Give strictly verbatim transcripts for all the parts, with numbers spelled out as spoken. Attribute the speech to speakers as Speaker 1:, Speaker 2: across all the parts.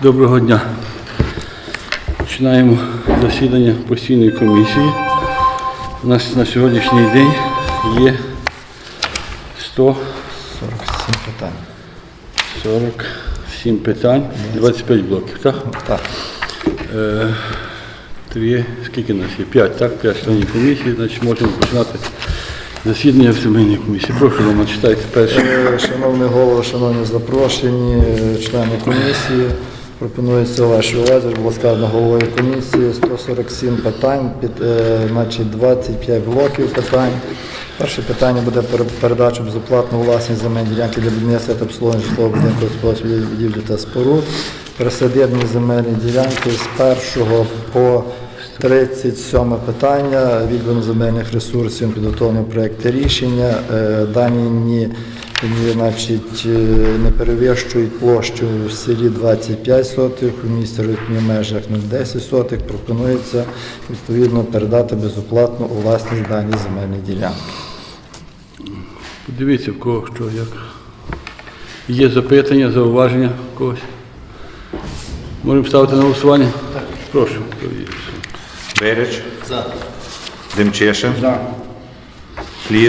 Speaker 1: Доброго дня. Починаємо засідання постійної комісії. У нас на сьогоднішній день є сто
Speaker 2: сорок сім питань.
Speaker 1: сорок сім питань, двадцять п'ять блоків, так?
Speaker 2: Так.
Speaker 1: Е, три, скільки нас є? П'ять, так? П'ять членів комісії, значить можемо починати засідання в сімейній комісії. Прошу, Рома, читайте перше.
Speaker 2: Е, Шановний голово, шановні запрошені, члени комісії, пропонується вашій увазі, було сказано головою комісії, сто сорок сім питань, під, е, значить двадцять п'ять блоків питань. Перше питання буде про передачу безоплатно власність земельної ділянки для будівництва та обслуговування житлового будинку, господарських будівлі та споруд. Присадибні земельні ділянки з першого по тридцять сьоме питання, відведення земельних ресурсів, підготовлення проєкту рішення. Дані ні, ні, значить, не перевищують площу в селі двадцять п'ять сотих, у місті в межах нуль цілих десять сотих. Пропонується відповідно передати безоплатно у власність дані земельні ділянки.
Speaker 1: Подивіться, в кого що, як. Є запитання, зауваження в когось? Можемо ставити на голосування? Так. Прошу.
Speaker 3: Береч.
Speaker 2: За.
Speaker 3: Демчешин.
Speaker 1: За.
Speaker 3: Кліт.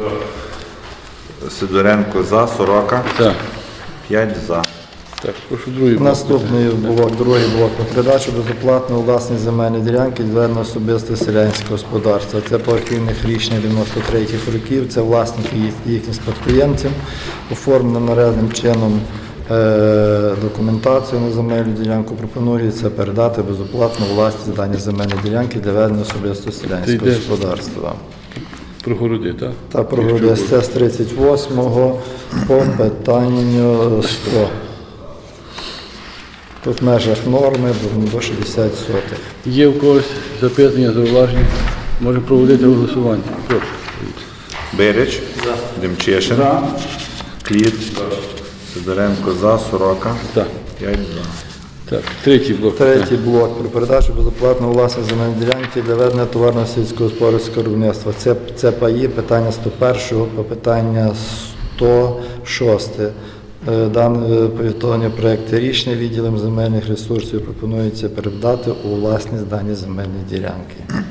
Speaker 3: Сидоренко за. Сорока.
Speaker 1: Так.
Speaker 3: П'ять за.
Speaker 1: Так, прошу другий блок.
Speaker 2: Наступний блок, другий блок про передачу безоплатно у власність земельної ділянки відведено особисте селянське господарство. Це по архівних рішеннях дев'яносто третіх років, це власники і їхні спадкоємці. Оформлено належним чином е, документацію на земельну ділянку. Пропонується передати безоплатно у власність дані земельної ділянки для ведення особисто селянського господарства.
Speaker 1: Про городи, так?
Speaker 2: Та про городи з тридцять восьмого по питанню сто. Тут в межах норми до шістдесят сотих.
Speaker 1: Є в когось запитання, зауваження? Можемо проводити голосування. Прошу.
Speaker 3: Береч. За. Демчешин.
Speaker 1: За.
Speaker 3: Кліт. Сидоренко за. Сорока.
Speaker 1: Так.
Speaker 3: П'ять за.
Speaker 1: Так, третій блок.
Speaker 2: Третій блок про передачу безоплатно у власність земельної ділянки для ведення товарного сільськогосподарського виробництва. Це, це паї, питання сто перше по питання сто шосте. Дане повідомлення проєкту рішення відділом земельних ресурсів пропонується передати у власність дані земельні ділянки.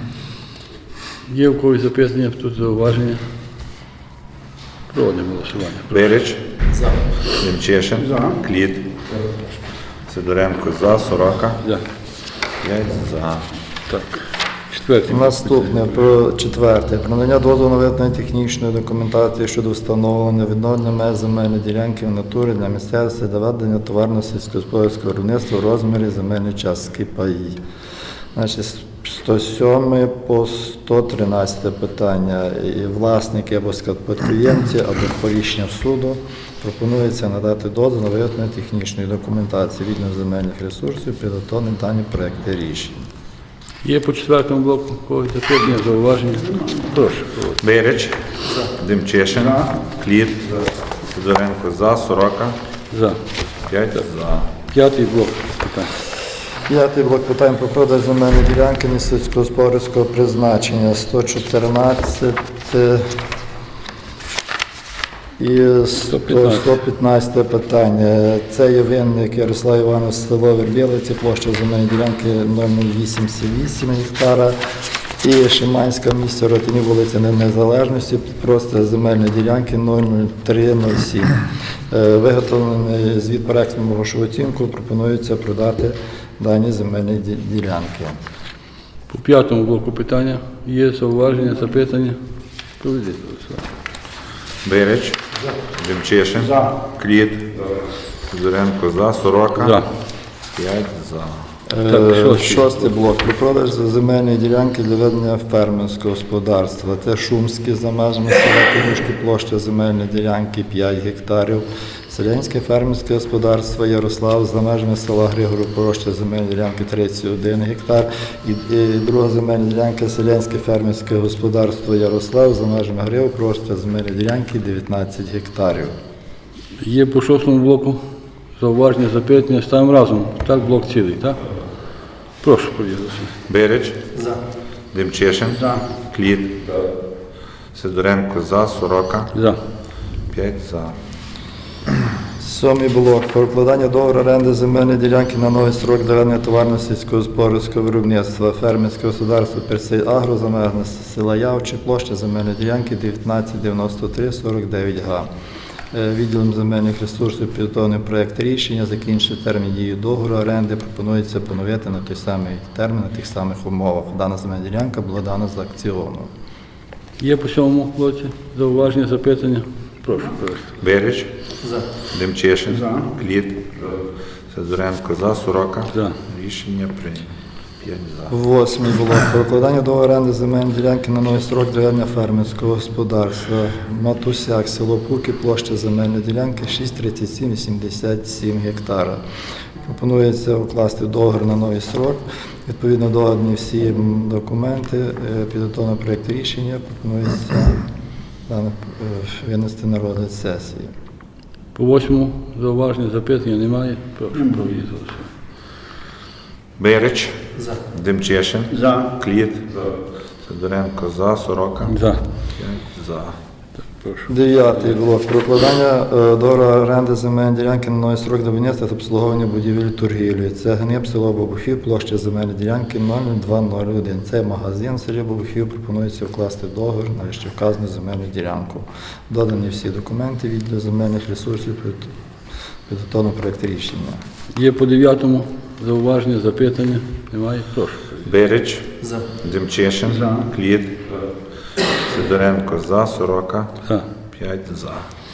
Speaker 1: Є в когось запитання, тут зауваження? Проводимо голосування.
Speaker 3: Береч. За. Демчешин. За. Кліт. Сидоренко за. Сорока.
Speaker 1: За.
Speaker 3: П'ять за.
Speaker 1: Так. Четвертий.
Speaker 2: Наступне, про четверте. Про надання дозволу на виготовлення технічної документації щодо встановлення відновлення меж земельної ділянки в натурі для місцевості для ведення товарного сільськогосподарського виробництва в розмірі земельної частки паї. Значить, сто сьоме по сто тринадцяте питання. І власники або спадкоємці, або по рішенню суду пропонується надати дозвіл на виготовлення технічної документації відновлення земельних ресурсів, підготовлені дані проекти рішень.
Speaker 1: Є по четвертому блоку когось запитання, зауваження? Прошу. проводити.
Speaker 3: Береч. Демчешин. Кліт. Сидоренко за. Сорока.
Speaker 1: За.
Speaker 3: П'ять за.
Speaker 1: П'ятий блок питань.
Speaker 2: П'ятий блок питань про продаж земельної ділянки сільськогосподарського призначення сто чотирнадцять і сто п'ятнадцяте питання. Це є винник Ярослав Іванович, село Вербілиці, площа земельної ділянки нуль нуль вісім вісім гектара. І Шиманська місце Ротині, вулиця Незалежності, просто земельної ділянки нуль нуль три нуль сім. Виготовлений звіт по експертному грошову оцінку, пропонується продати дані земельні ділянки.
Speaker 1: По п'ятому блоку питання є зауваження, запитання? Проведіть голосування.
Speaker 3: Береч. Демчешин. За. Кліт. Сидоренко за. Сорока.
Speaker 1: За.
Speaker 3: П'ять за.
Speaker 1: Так, шостий.
Speaker 2: Шостий блок. Про продаж земельної ділянки для ведення фермерського господарства. Це Шумське за межами села Пінюшки, площа земельної ділянки п'ять гектарів. Селянське фермерське господарство Ярослав за межами села Григорів, площа земельної ділянки тридцять один гектар. І, і друга земельна ділянка Селянське фермерське господарство Ярослав за межами Григорів, площа земельної ділянки дев'ятнадцять гектарів.
Speaker 1: Є по шостому блоку зауваження, запитання. Ставимо разом. Так, блок цілий, так? Прошу проводити.
Speaker 3: Береч. За. Демчешин. За. Кліт. Сидоренко за. Сорока.
Speaker 1: За.
Speaker 3: П'ять за.
Speaker 2: Сьомий блок. Про укладання договору оренди земельної ділянки на новий строк для ведення товарно сільськогосподарського виробництва. Фермерське господарство Персей Агро за межами села Явчі, площа земельної ділянки дев'ятнадцять дев'яносто три сорок дев'ять га. Е, Відділом земельних ресурсів підготовлений проєкт рішення, закінчити термін дії договору оренди, пропонується поновити на той самий термін, на тих самих умовах. Дана земельна ділянка була дана з аукціону.
Speaker 1: Є по цьому блоці зауваження, запитання? Прошу провести.
Speaker 3: Береч,
Speaker 4: За.
Speaker 3: Демчешин, Кліт, Сидоренко за, Сорока.
Speaker 1: За.
Speaker 3: Рішення прийнято. п'ять за.
Speaker 2: Восьмий блок. Про укладання договору оренди земельної ділянки на новий строк для ведення фермерського господарства. Матусяк, село Пуки, площа земельної ділянки шість тридцять сім вісімдесят сім гектара. Пропонується укласти договір на новий строк. Відповідно додані всі м, документи, е, підготовлено проєкт рішення, пропонується дане, е, винести на розгляд сесії.
Speaker 1: По восьмому зауваження, запитання немає? Прошу провести.
Speaker 3: Береч,
Speaker 4: За.
Speaker 3: Демчешин,
Speaker 4: За.
Speaker 3: Кліт, Сидоренко за, Сорока.
Speaker 1: За.
Speaker 3: п'ять за.
Speaker 1: Прошу.
Speaker 2: Дев'ятий блок. Про укладання е, договору оренди земельної ділянки на новий строк для будівництва та обслуговування будівель торгівлі. Це Гниб, село Бабухів, площа земельної ділянки нуль два нуль один. Це магазин в селі Бабухів. Пропонується вкласти договір на вище вказану земельну ділянку. Додані всі документи від земельних ресурсів, під- підготовлено проєкт рішення.
Speaker 1: Є по дев'ятому зауваження, запитання? Немає? Прошу.
Speaker 3: Береч,
Speaker 4: За.
Speaker 3: Демчешин, Кліт, Сидоренко за, Сорока.
Speaker 1: За.
Speaker 3: п'ять за.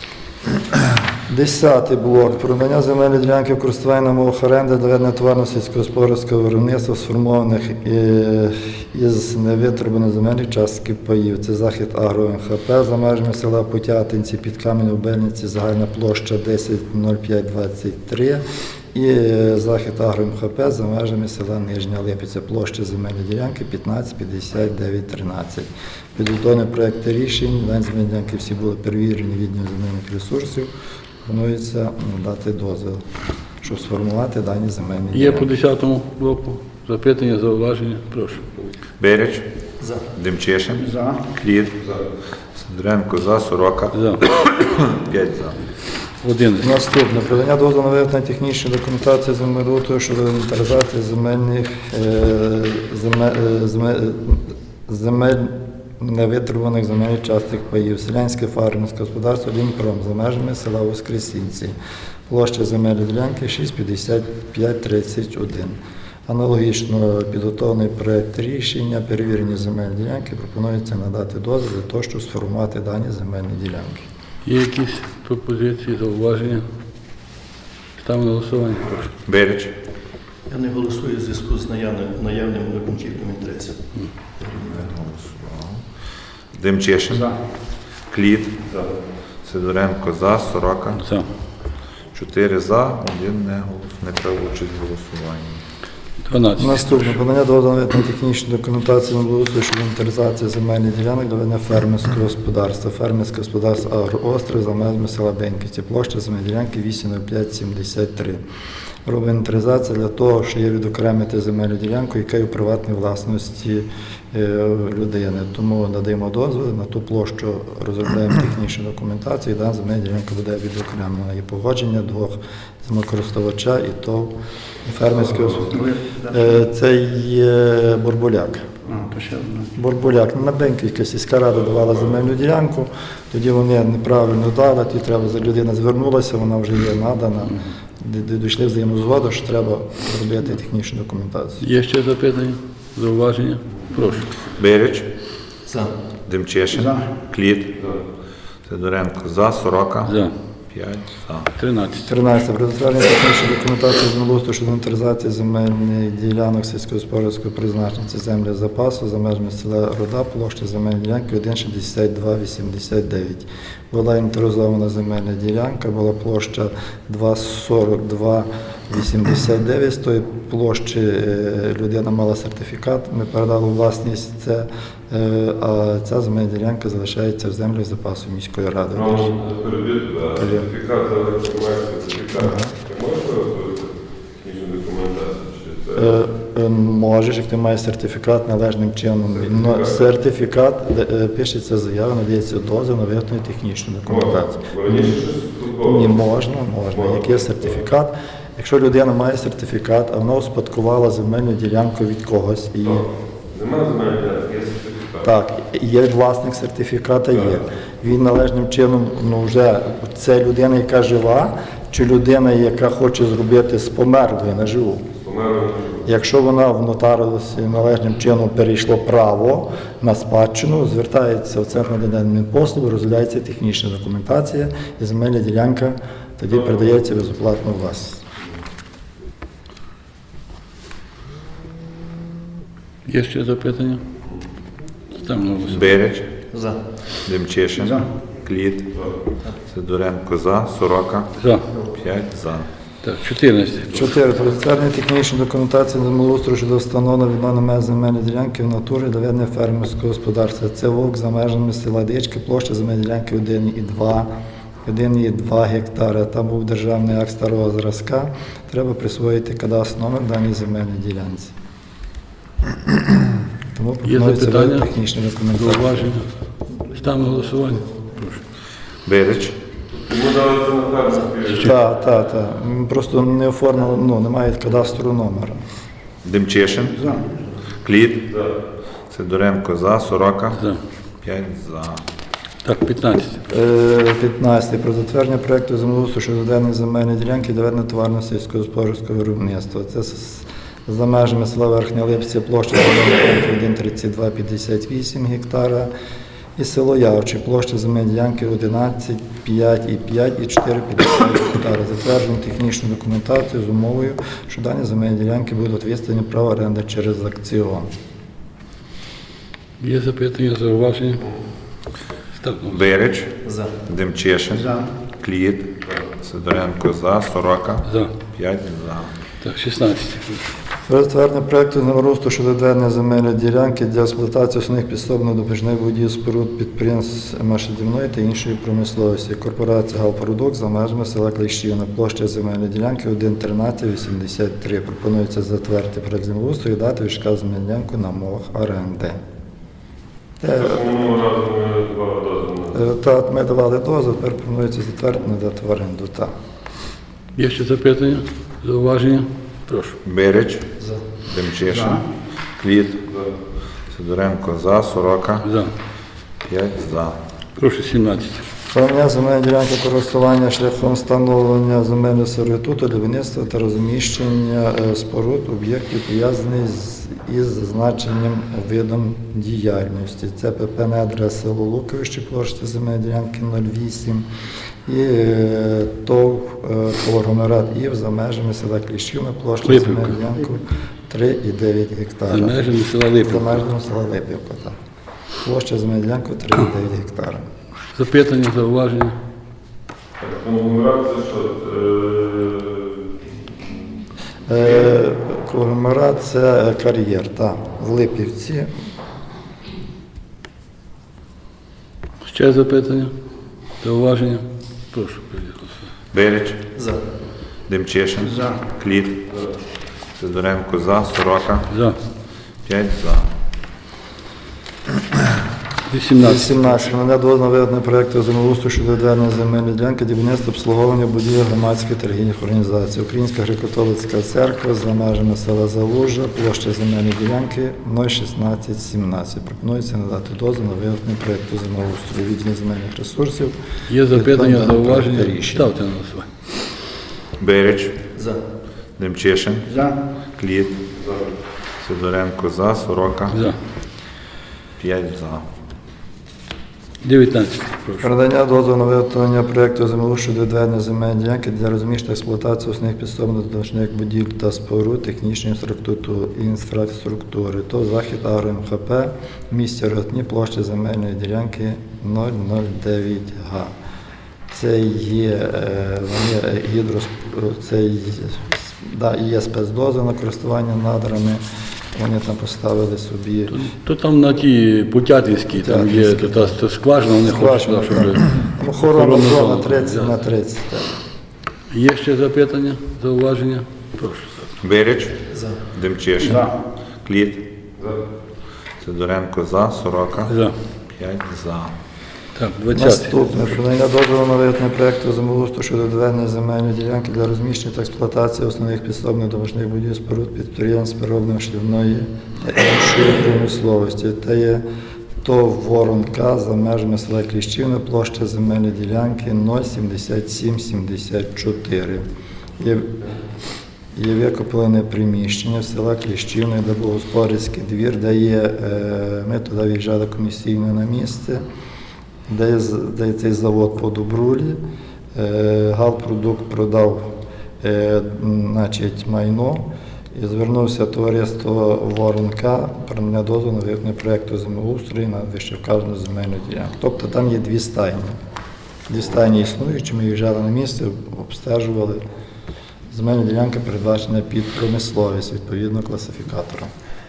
Speaker 2: Десятий блок. Про надання земельної ділянки в користування на мовах оренди для ведення товарно сільськогосподарського виробництва, сформованих е, із невитребуваних земельних частки паїв. Це захід Агро Н Х П за межами села Путятинці, під Кам'яною Бельниці, загальна площа десять нуль п'ять двадцять три. І е, захід Агро М Х П за межами села Нижня Липиця, площа земельної ділянки п'ятнадцять п'ятдесят дев'ять тринадцять. Підготовлені проекти рішень, дані земельні ділянки всі були перевірені відділом земельних ресурсів. Планується дати дозвіл, щоб сформувати дані земельні
Speaker 1: Є по
Speaker 2: ділянки.
Speaker 1: десятому блоку запитання, зауваження? Прошу.
Speaker 3: Береч,
Speaker 4: За.
Speaker 3: Демчешин, Кліт, Сидоренко за, Сорока.
Speaker 1: За.
Speaker 3: п'ять за.
Speaker 1: Одинадцять.
Speaker 2: Наступне. Придання дозволу на виготовлення технічної документації землеустрою щодо інвентаризації земельних е, земель, е, земель, земель невитребуваних земельних часток паїв. Селянське фермерське господарство Лінпром за межами села Воскресінці. Площа земельної ділянки шість п'ятдесят п'ять тридцять один. Аналогічно підготовлений проєкт рішення, перевірені земельні ділянки, пропонується надати дозвіл для того, щоб сформувати дані земельні ділянки.
Speaker 1: Є якісь пропозиції, зауваження? Ставимо на голосування. Прошу.
Speaker 3: Береч,
Speaker 4: Я не голосую в зв'язку з наявним, наявним конфліктом інтересів.
Speaker 3: Демчешин, Кліт, Сидоренко за, Сорока.
Speaker 1: За.
Speaker 3: чотири за, один не голос, не брав участь в голосуванні.
Speaker 1: дванадцять.
Speaker 2: Наступне. Подання дозволу на технічну документацію на благоустрою щодо інвентаризації земельних ділянок для ведення фермерського господарства. Фермерське господарство Агроострів за межами села Беньківці. Площа земельної ділянки вісім нуль п'ять сімдесят три. Робимо інвентаризацію для того, що є відокремити земельну ділянку, яка є у приватній власності е, людини. Тому надаємо дозвіл на ту площу, розробляємо технічну документацію, і дана земельна ділянка буде відокремлена. Є погодження двох землекористувача і ТОВ і фермерського господарства. Е, Це є Борбуляк. Борбуляк. На Беньківська сільська рада давала земельну ділянку, тоді вони неправильно дали, тоді треба, людина звернулася, вона вже є надана. Де дійшли взаємну згоду, що треба робити технічну документацію.
Speaker 1: Є ще запитання, зауваження? Прошу.
Speaker 3: Береч,
Speaker 4: За.
Speaker 3: Демчешин, Кліт, Сидоренко за, Сорока.
Speaker 1: За.
Speaker 3: п'ять за.
Speaker 1: тринадцять.
Speaker 2: тринадцяте. Про затвердження технічної документації землеустрою щодо інвентаризації земельних ділянок сільськогосподарського призначення. Це землі запасу за межами села Рода, площа земельної ділянки один шістдесят два вісімдесят дев'ять. Була інвентаризована земельна ділянка, була площа два сорок два вісімдесят дев'ять. З тої площі е, людина мала сертифікат, ми передали у власність це, е, а ця земельна ділянка залишається в землях запасу міської ради.
Speaker 5: Сертифікат за електромає сертифікат. Ти можеш виготовити технічну документацію? Чи це
Speaker 2: Е, е, Можеш, як ти маєш сертифікат належним чином. Но сертифікат, де, е, пишеться заява, надається дозвіл на виготовлення технічної документації.
Speaker 5: Бо раніше щось тут успадковано.
Speaker 2: Ні, можна, можна. Як є сертифікат. Якщо людина має сертифікат, а вона успадкувала земельну ділянку від когось і
Speaker 5: Немає земельної ділянки, є сертифікат.
Speaker 2: так, є власник сертифіката, є. Він належним чином, ну вже це людина, яка жива, чи людина, яка хоче зробити з померлою на живу.
Speaker 5: Померло.
Speaker 2: Якщо вона в нотаріусі належним чином перейшло право на спадщину, звертається в Центр надання адмінпослуг, розглядається технічна документація і земельна ділянка тоді передається безоплатно у власність.
Speaker 1: Є ще запитання? Ставимо на голосування.
Speaker 3: Береч,
Speaker 4: За.
Speaker 3: Демчишин, Кліт, Сидоренко за, Сорока,
Speaker 1: За.
Speaker 3: п'ять за.
Speaker 1: Так, чотирнадцять.
Speaker 2: Чотири. Про затвердження технічної документації землеустрою щодо встановлення відновлення меж земельної ділянки в натурі для ведення фермерського господарства. Це вовк за межами села Дички, площа земельної ділянки один і два. один і два гектари. Там був державний акт старого зразка. Треба присвоїти кадастровий номер даній земельній ділянці. Тому пропонується
Speaker 1: запитання?
Speaker 2: ввести технічну документацію.
Speaker 1: Зауваження. Ставимо на голосування. Прошу.
Speaker 3: Береч,
Speaker 5: Йому дали це на фермерський.
Speaker 2: Так, так, так. Просто не оформили, ну, немає кадастрового номера.
Speaker 3: Демчишин, Кліт, Сидоренко за, Сорока,
Speaker 1: За.
Speaker 3: п'ять за.
Speaker 1: Так, п'ятнадцять.
Speaker 2: Е, п'ятнадцять. Про затвердження проекту землеустрою щодо ведення земельної ділянки для ведення товарного сільськогосподарського виробництва. Це з- за межами села Верхня Липця, площа земельної ділянки один тридцять два п'ятдесят вісім гектара і село Явче, площа земельної ділянки одинадцять, п'ять і п'ять і чотири п'ятдесят гектара. Затверджуємо технічну документацію з умовою, що дані земельні ділянки будуть відстані права оренди через акціон.
Speaker 1: Є запитання, зауваження? Ставимо на голосування.
Speaker 3: Береч,
Speaker 4: За.
Speaker 3: Демчишин, Кліт, Сидоренко за, Сорока,
Speaker 1: За.
Speaker 3: п'ять за.
Speaker 1: Так, шістнадцять.
Speaker 2: Про затвердження проекту землеустрою щодо ведення земельної ділянки для експлуатації основних підсобно-допоміжних будівель споруд підприємств машинобудівної та іншої промисловості. Корпорація «Галпродукт» за межами села Кліщівна. Площа земельної ділянки один тринадцять вісімдесят три. Пропонується затвердити проект землеустрою і дати відшказ земельну ділянку на мовах оренди. Те,
Speaker 5: Минулого разу ми два дозволи.
Speaker 2: е, та, ми давали дозвіл, тепер пропонується затвердити, надати в оренду. Так.
Speaker 1: Є ще запитання, зауваження? Прошу.
Speaker 3: Береч, Демчишин, Кліт, Сидоренко за, Сорока,
Speaker 1: За.
Speaker 3: п'ять за.
Speaker 1: Прошу, сімнадцять.
Speaker 2: Прийняття земельної ділянки користування шляхом встановлення земельного сервітуту для виробництва та розміщення е, споруд об'єктів, пов'язаних з із зазначенням видом діяльності. Це ПП «Недра», село Луковище, площа земельної ділянки нуль вісім і е, ТОВ е, «Конгломерат ІВ» за межами села Кліщівна, площа
Speaker 1: Липівка.
Speaker 2: земельної ділянки три і дев'ять гектара.
Speaker 1: За межами села
Speaker 2: За
Speaker 1: Липівка.
Speaker 2: межами села Липівка, так. Площа земельної ділянки три і дев'ять гектара.
Speaker 1: Запитання, зауваження?
Speaker 5: Конгломерат це що? Е,
Speaker 2: Е, Конгломерат – це кар'єр, так, в Липівці.
Speaker 1: Ще запитання, зауваження? Прошу, приїхати.
Speaker 3: Береч,
Speaker 4: За.
Speaker 3: Демчишин, Кліт, Сидоренко за, Сорока,
Speaker 1: За.
Speaker 3: п'ять за.
Speaker 1: вісімнадцять.
Speaker 2: вісімнадцять. Надання дозволу на виведення проєкту землеустрою щодо відведення земельної ділянки для будівництва обслуговування будівель громадських торгівельних організацій. Українська греко-католицька церква за межами села Залужа, площа земельної ділянки нуль шістнадцять сімнадцять. Пропонується надати дозвіл на виведення проєкту землеустрою відділення земельних ресурсів.
Speaker 1: Є запитання,
Speaker 2: Відповідно до
Speaker 1: зауваження?
Speaker 2: проекту рішення.
Speaker 1: Ставте на голосування.
Speaker 3: Береч,
Speaker 4: За.
Speaker 3: Демчишин, Кліт, Сидоренко за, Сорока,
Speaker 1: За.
Speaker 3: п'ять за.
Speaker 1: дев'ятнадцять. Прошу.
Speaker 2: Передання дозволу на виготовлення проєкту землеустрою щодо відведення земельної ділянки для розміщення та експлуатації основних підсобно-допоміжних будівель та споруд технічної інфраструктури, інфраструктури. То захід Агро МХП, місті Ротні, площа земельної ділянки нуль нуль дев'ять га. Це є, е, вони гідрос, це є, да, є спецдозвіл на користування надрами. Вони там поставили собі
Speaker 1: То там на ті Путятинській, там є
Speaker 2: Путятинській,
Speaker 1: та, та скважина, вони хочуть,
Speaker 2: скважина,
Speaker 1: щоб...
Speaker 2: так. Охорона
Speaker 1: охоронну
Speaker 2: зона
Speaker 1: зону,
Speaker 2: тридцять
Speaker 1: да.
Speaker 2: на тридцять. Так.
Speaker 1: Є ще запитання, зауваження? Прошу.
Speaker 3: Береч,
Speaker 4: За.
Speaker 3: Демчишин, Кліт, Сидоренко за, Сорока,
Speaker 1: За.
Speaker 3: п'ять за.
Speaker 1: Так, двадцятий.
Speaker 2: Наступне. Про надання дозволу на виготовлення проєкту землеустрою щодо доведення земельної ділянки для розміщення та експлуатації основних підсобних домашніх будівель споруд підприємств переробної шлівної та іншої промисловості. Та є ТОВ Воронка за межами села Кліщівне, площа земельної ділянки нуль сімдесят сім сімдесят чотири. Є, є викоплене приміщення в села Кліщівне, де був господарський двір, де є, е, ми туди виїжджали комісійно на місце, де є, з- де є цей завод по Добрулі. Е, Галпродукт продав е, значить, майно і звернувся товариство Воронка про надання дозволу на виконання проєкту землеустрою на вищевказану земельну ділянку. Тобто там є дві стайні. Дві стайні існуючі, ми виїжджали на місце, обстежували. Земельна ділянка передбачена під промисловість, відповідно класифікатора.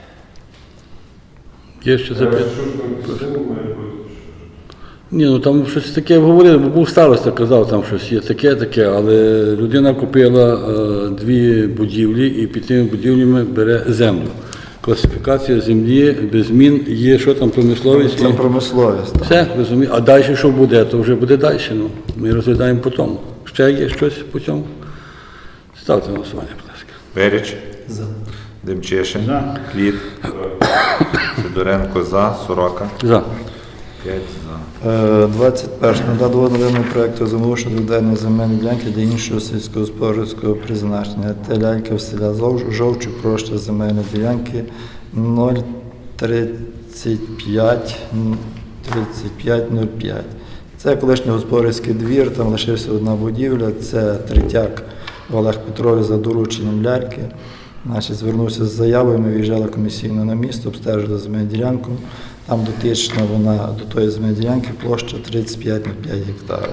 Speaker 1: Є ще
Speaker 5: Е,
Speaker 1: запитання?
Speaker 5: Що ж там підсилено має бути?
Speaker 1: Ні, ну там щось таке говорили, бо був староста, казав, там щось є таке, таке, але людина купила е, дві будівлі і під тими будівлями бере землю. Класифікація землі без змін є, що там промисловість.
Speaker 2: Це
Speaker 1: і-
Speaker 2: промисловість. так.
Speaker 1: Все, розумію. А далі що буде, то вже буде далі. Ну, ми розглядаємо по тому. Ще є щось по цьому? Ставте на голосування, будь ласка.
Speaker 3: Беріч,
Speaker 4: За.
Speaker 3: Демчишин, Кліт, Сидоренко за, Сорока,
Speaker 1: За.
Speaker 3: п'ять за.
Speaker 2: Е, двадцять перше. Надати дозволу на проєкту землеустрою щодо відведення земельної ділянки для іншого сільськогосподарського призначення. Те лялька в селя Зов- Жовчу, площа земельної ділянки нуль тридцять п'ять тридцять п'ять нуль п'ять. Це колишній господарський двір, там лишився одна будівля, це Третяк Олег Петрович за дорученням ляльки. Значить, звернувся з заявою, ми виїжджали комісійно на місто, обстежили земельну ділянку. Там дотична вона до тої земельної ділянки площа тридцять п'ять на п'ять гектарів.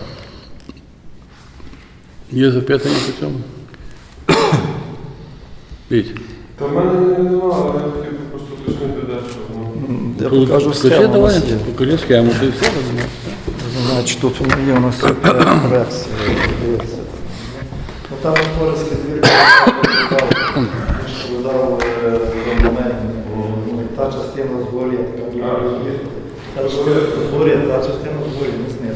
Speaker 1: Є запитання по цьому? Віть.
Speaker 5: Та в мене немає, але я хотів би просто уточнити дещо. Ну,
Speaker 2: Я
Speaker 1: Тут
Speaker 2: покажу
Speaker 1: покажи,
Speaker 2: схему. у
Speaker 1: давай,
Speaker 2: нас є.
Speaker 1: покажи схему, ти все розумієш.
Speaker 2: Значить, тут воно є у нас проекція. Дивіться. Ну, там господарський двір видав документ, бо та частина згорі, така та згорі, та частина згорі, не знизу.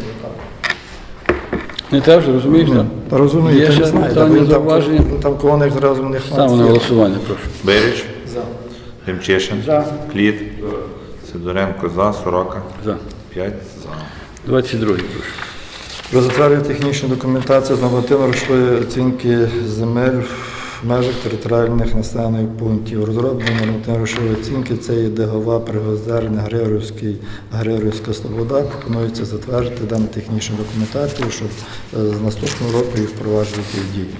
Speaker 1: Не те вже, розумієш? так?
Speaker 2: Та розумію,
Speaker 1: Є
Speaker 2: я
Speaker 1: ще
Speaker 2: не знаю,
Speaker 1: питання,
Speaker 2: бо він там,
Speaker 1: зауваження?
Speaker 2: він там колоник зразу в них
Speaker 1: Ставимо на голосування, прошу.
Speaker 3: Беріч,
Speaker 2: За.
Speaker 3: Демчишин, Кліт, Сидоренко за, Сорока,
Speaker 1: За.
Speaker 3: п'ять за.
Speaker 1: двадцять другий, прошу.
Speaker 2: Про затвердження технічної документації з нормативно-грошової оцінки земель в межах територіальних населених пунктів. Розроблення нормативно-грошової оцінки це є Дегова, Пригозерне, Григорівський, Григорівська Слобода. Пропонується затвердити дану технічну документацію, щоб е, з наступного року її впроваджувати в дію.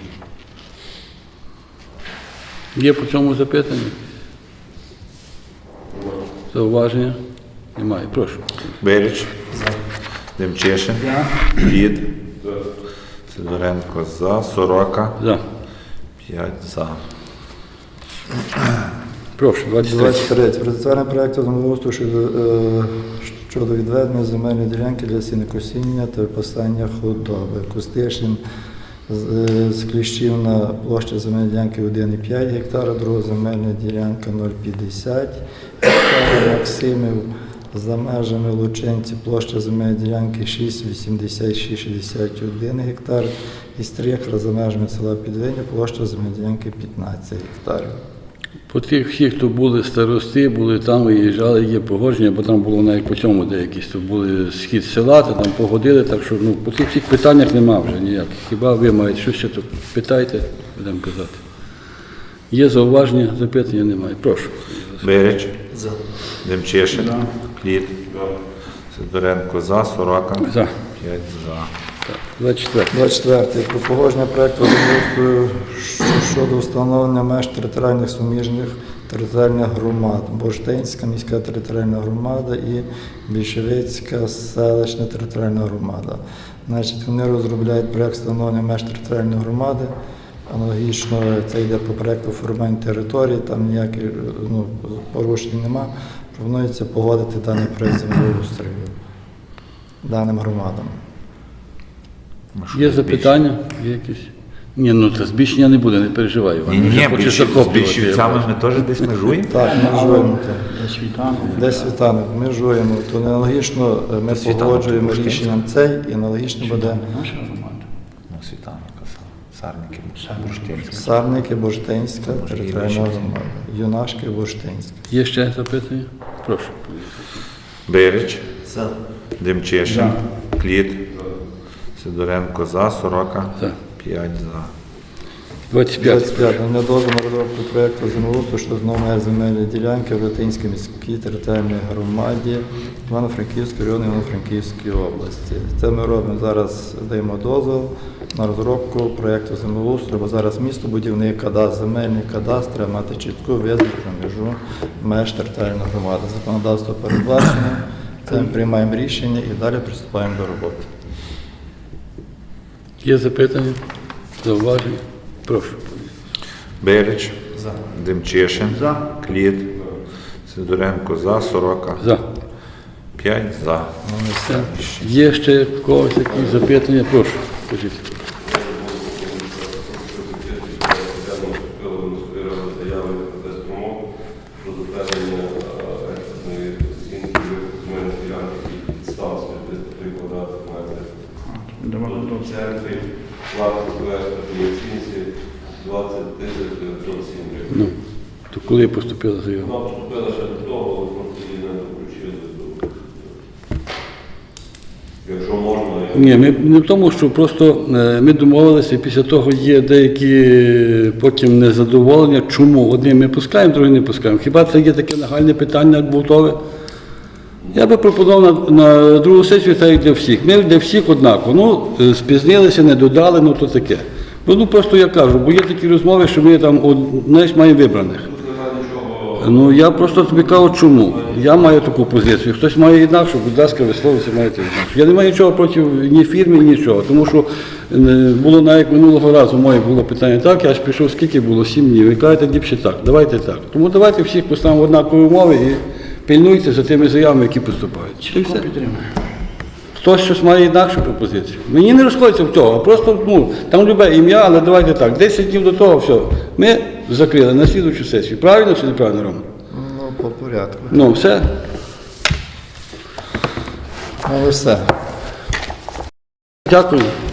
Speaker 1: Є по цьому запитання? Зауваження? Немає, прошу.
Speaker 3: Беріч, Демчишин, Кліт, Сидоренко за, Сорока,
Speaker 1: За.
Speaker 3: п'ять за.
Speaker 1: Прошу, двадцять третій.
Speaker 2: двадцять третє. Про затвердження проєкту землеустрою щодо, е, щодо відведення земельної ділянки для сінокосіння та випасання худоби. Кустишин з, е, з Кліщівна площа земельної ділянки один і п'ять гектара, друга земельна ділянка нуль п'ятдесят гектара. Максимів за межами Лученці площа земельної ділянки шість вісімдесят шість шістдесят один гектар. І Стріхра за межами села Підвиня площа земельної ділянки п'ятнадцять гектарів.
Speaker 1: По тих всіх, хто були старости, були там, виїжджали, є погодження, бо там було навіть по цьому деякісь, то були схід села, то там погодили, так що ну, по тих всіх питаннях нема вже ніяких. Хіба ви маєте щось ще, то питайте, будемо казати. Є зауваження, запитання немає. Прошу.
Speaker 3: Беріч,
Speaker 4: За.
Speaker 3: Демчишин, Кліт, Сидоренко за, Сорока,
Speaker 1: За.
Speaker 3: п'ять за.
Speaker 1: двадцять четвертий.
Speaker 2: двадцять четверте. Про погодження проєкту землеустрою щодо встановлення меж територіальних суміжних територіальних громад. Борштинська міська територіальна громада і Більшовицька селищна територіальна громада. Значить, вони розробляють проєкт встановлення меж територіальної громади. Аналогічно це йде по проєкту формування території, там ніяких ну, порушень нема. Пропонується погодити даний проєкт землеустрою даним громадам.
Speaker 1: Є запитання? Є якісь? Ні, ну це збільшення не буде, не переживай. Іван.
Speaker 3: Ні, ні,
Speaker 1: Вже
Speaker 3: ні,
Speaker 1: хочеш
Speaker 3: з
Speaker 1: захоплювати, я
Speaker 3: більшівцями
Speaker 1: бачу.
Speaker 3: ми теж десь межуємо.
Speaker 2: Так, межуємо. так.
Speaker 6: Де світанок.
Speaker 2: Де світанок, межуємо. То аналогічно е, ми
Speaker 3: Світанок,
Speaker 2: погоджуємо
Speaker 3: Бурштин.
Speaker 2: рішенням цей, і аналогічно буде
Speaker 6: Наша громада.
Speaker 3: Ну, світанок, Сарники, Бурштинські.
Speaker 2: Сарники, Бурштинська, територіальна
Speaker 3: Бурштинська.
Speaker 2: громада. Юнашки, Бурштинська.
Speaker 1: Є ще запитання? Прошу.
Speaker 3: Береч,
Speaker 4: За.
Speaker 3: Демчишин, Кліт, Сидоренко за, Сорока,
Speaker 1: За.
Speaker 3: п'ять за.
Speaker 1: двадцять п'ять.
Speaker 2: двадцять п'ять. Не дозволу на розробку проєкту землеустрою щодо номер земельної ділянки в Латинській міській територіальній громаді Івано-Франківської району Івано-Франківської області. Це ми робимо зараз, даємо дозвіл на розробку проєкту землеустрою, бо зараз містобудівний кадастр, земельний кадастр треба мати чітку визначену межу меж територіальної громади. Законодавство передбачено, це ми приймаємо рішення і далі приступаємо до роботи.
Speaker 1: Є запитання? Зауваження? Прошу.
Speaker 3: Береч,
Speaker 4: За.
Speaker 3: Демчишин,
Speaker 6: За.
Speaker 3: Кліт, Сидоренко за, Сорока,
Speaker 1: За.
Speaker 3: п'ять за.
Speaker 1: Все. Є ще в когось якісь запитання? Прошу. Скажіть.
Speaker 5: Заяви протесту умов про затвердження е, експертної оцінки земельних ділянок і підстав з триста три квадратних метрів. Тут в центрі вартість по експертній оцінці двадцять тисяч дев'ятсот сім гривень.
Speaker 1: Ну, то коли поступила заява?
Speaker 5: Вона поступила ще до того, але просто її не включили до. Якщо можна, я.
Speaker 1: Ні, ми не в тому, що просто е, ми домовилися, і після того є деякі потім незадоволення. Чому? Одні ми пускаємо, другі не пускаємо. Хіба це є таке нагальне питання, як готове? Я би пропонував на, на другу сесію, так як для всіх. Ми для всіх однаково. Ну, е, спізнилися, не додали, ну то таке. Ну, ну просто я кажу, бо є такі розмови, що ми там, от, знаєш, маємо вибраних.
Speaker 5: Тут немає нічого.
Speaker 1: Ну, я просто тобі кажу, чому. Я маю таку позицію. Хтось має інакшу, будь ласка, висловитися, маєте інакшу. Я не маю нічого проти ні фірми, ні нічого. Тому що е, було навіть минулого разу моє було питання так, я ж пішов, скільки було, сім днів. Ви кажете, ліпше так, давайте так. Тому давайте всіх поставимо в однакові умови і пильнуйте за тими заявами, які поступають. І все.
Speaker 6: Підтримує.
Speaker 1: Хтось щось має інакшу пропозицію. Мені не розходиться в того, просто ну, там любе ім'я, але давайте так. десять днів до того, все. Ми закрили на слідуючу сесію. Правильно чи неправильно, Рома?
Speaker 2: Ну, по порядку.
Speaker 1: Ну, все.
Speaker 2: Ну, все.
Speaker 1: Дякую.